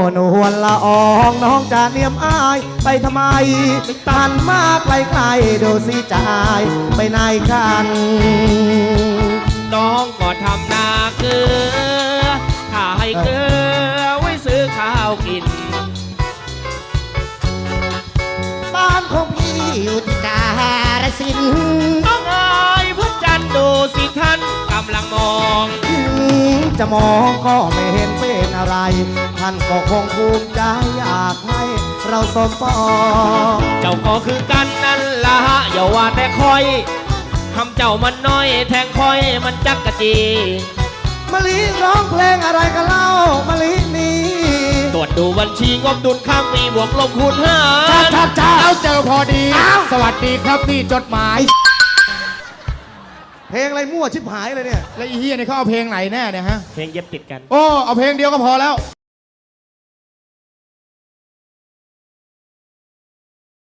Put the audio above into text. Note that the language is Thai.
นวลละอองน้องจะเนียมอายไปทำไมตันมากไกลๆดูสิจ่ายไปไหนกันน้องก็ทำนาเกลือข้าให้เกลือไว้ซื้อข้าวกินบ้านของพี่อยู่ที่กาฬสินธุ์น้องเอ๋ยพระจันทร์ดูสิท่านกำลังมองจะมองก็ไม่เห็นเป็นอะไรท่านก็คงภูมิใจอยากให้เราสมปองเจ้าก็คือกันนั่นละอย่าว่าแต่คอยทำเจ้ามันน้อยแทงคอยมันจักกะจีมะลิร้องเพลงอะไรกันเล่ามะลินี้ตรวจดูบัญชีงบดุลข้างมีบวกลบคูณหารแล้วเจอพอดี สวัสดีครับนี่จดหมายเพลงอะไรมั่วชิบหายเลยเนี่ยแล้วอีเฮียนี่เขาเอาเพลงไหนแน่เนี่ยฮะเพลงเย็บติดกันโอ้เอาเพลงเดียวก็พอแล้ว